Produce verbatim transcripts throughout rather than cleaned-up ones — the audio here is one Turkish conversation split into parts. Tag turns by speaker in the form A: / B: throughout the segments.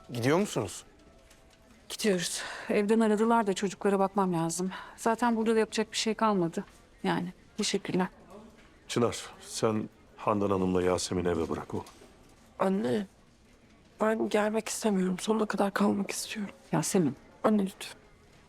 A: Gidiyor musunuz?
B: Gidiyoruz. Evden aradılar da çocuklara bakmam lazım. Zaten burada da yapacak bir şey kalmadı. Yani teşekkürler.
C: Çınar, sen Handan Hanım'la Yasemin'i eve bırak oğlum.
D: Anne, ben gelmek istemiyorum. Sonuna kadar kalmak istiyorum.
B: Yasemin.
D: Anne lütfen.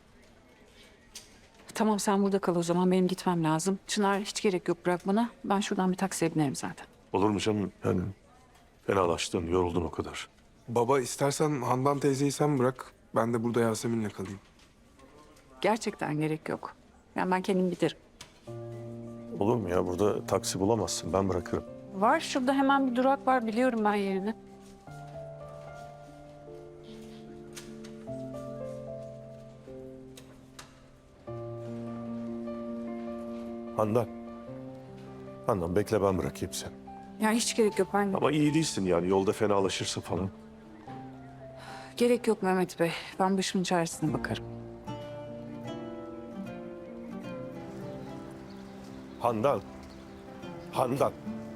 B: Tamam sen burada kal o zaman. Benim gitmem lazım. Çınar hiç gerek yok bırakmana. Ben şuradan bir taksiye binerim zaten.
C: Olur mu canım? Yani fenalaştın, yoruldun o kadar.
A: Baba istersen Handan teyzeyi sen bırak. Ben de burada Yasemin'le kalayım.
B: Gerçekten gerek yok. Yani ben kendim giderim.
C: Olur mu ya? Burada taksi bulamazsın. Ben bırakırım.
B: Var şurada hemen bir durak var. Biliyorum ben yerini.
C: Handan. Handan bekle ben bırakayım seni.
B: Ya hiç gerek yok. Ben
C: Ama iyi değilsin yani. Yolda fenalaşırsın falan.
B: gerek yok Mehmet Bey. Ben başımın çaresine bakarım.
C: Handan. Handan.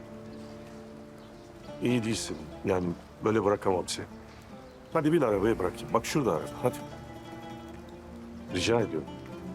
C: İyi değilsin. Yani böyle bırakamam seni. Hadi bin arabaya bırakayım. Bak şurada araba. Hadi. Rica ediyorum.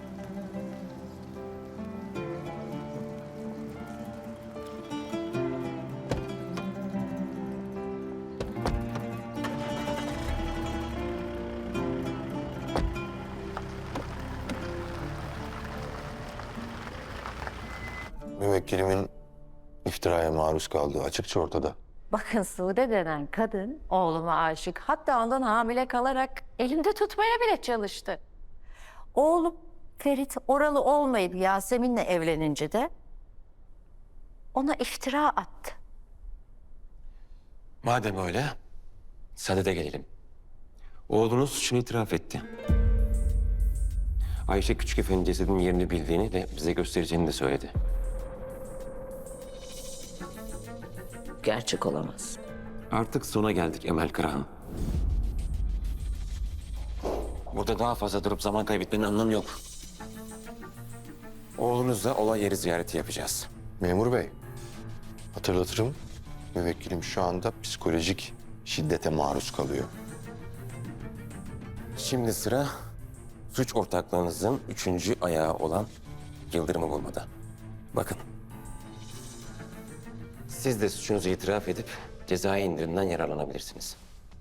E: Müvekkilimin iftiraya maruz kaldığı açıkça ortada.
F: Bakın Sude denen kadın oğluma aşık. Hatta ondan hamile kalarak elinde tutmaya bile çalıştı. Oğlum Ferit oralı olmayıp Yasemin'le evlenince de ona iftira attı.
G: Madem öyle, sadede gelelim. Oğlunuz suçunu itiraf etti. Ayşe Küçük Efendi cesedinin yerini bildiğini de bize göstereceğini de söyledi.
F: Gerçek olamaz.
G: Artık sona geldik Emel Karahan. Burada daha fazla durup zaman kaybetmenin anlamı yok. Oğlunuzla olay yeri ziyareti yapacağız.
E: Memur bey, hatırlatırım. Müvekkilim şu anda psikolojik şiddete maruz kalıyor.
G: Şimdi sıra suç ortaklığınızın üçüncü ayağı olan Yıldırım'ı bulmada. Bakın. Siz de suçunuzu itiraf edip cezai indirimden yararlanabilirsiniz.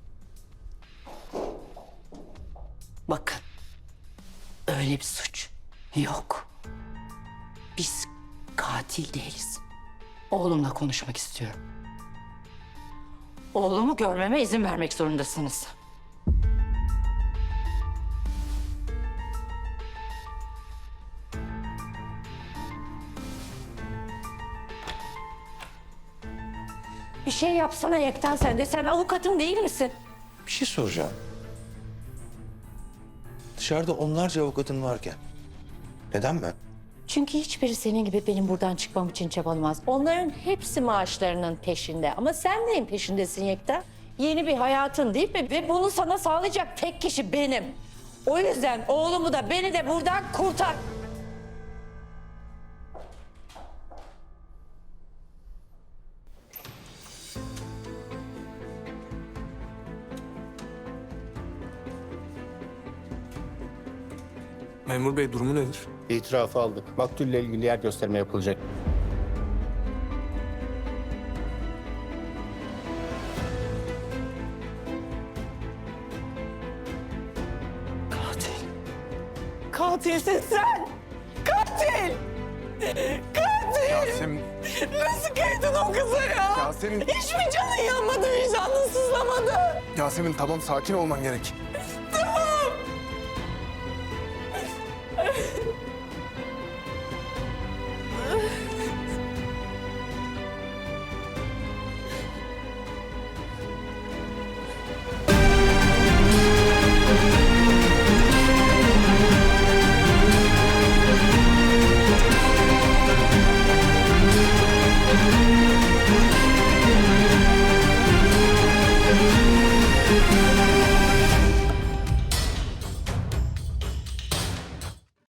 H: Bakın, öyle bir suç yok. Biz katil değiliz. Oğlumla konuşmak istiyorum. Oğlumu görmeme izin vermek zorundasınız.
F: Bir şey yapsana Yekten sen de. Sen avukatım değil misin?
I: Bir şey soracağım. Dışarıda onlarca avukatın varken neden ben?
F: Çünkü hiçbiri senin gibi benim buradan çıkmam için çabalamaz. Onların hepsi maaşlarının peşinde. Ama sen neyin peşindesin Yekta? Yeni bir hayatın değil mi? Ve bunu sana sağlayacak tek kişi benim. O yüzden oğlumu da beni de buradan kurtar.
A: Memur bey durumu nedir?
J: İtirafı aldık. Maktulle ilgili yer gösterme yapılacak.
D: Katil. Katilsin sen. Katil. Katil.
A: Yasemin.
D: Nasıl kıydın o kıza ya?
A: Yasemin.
D: Hiç mi canın yanmadı, vicdanın sızlamadı?
A: Yasemin tamam sakin olman gerek.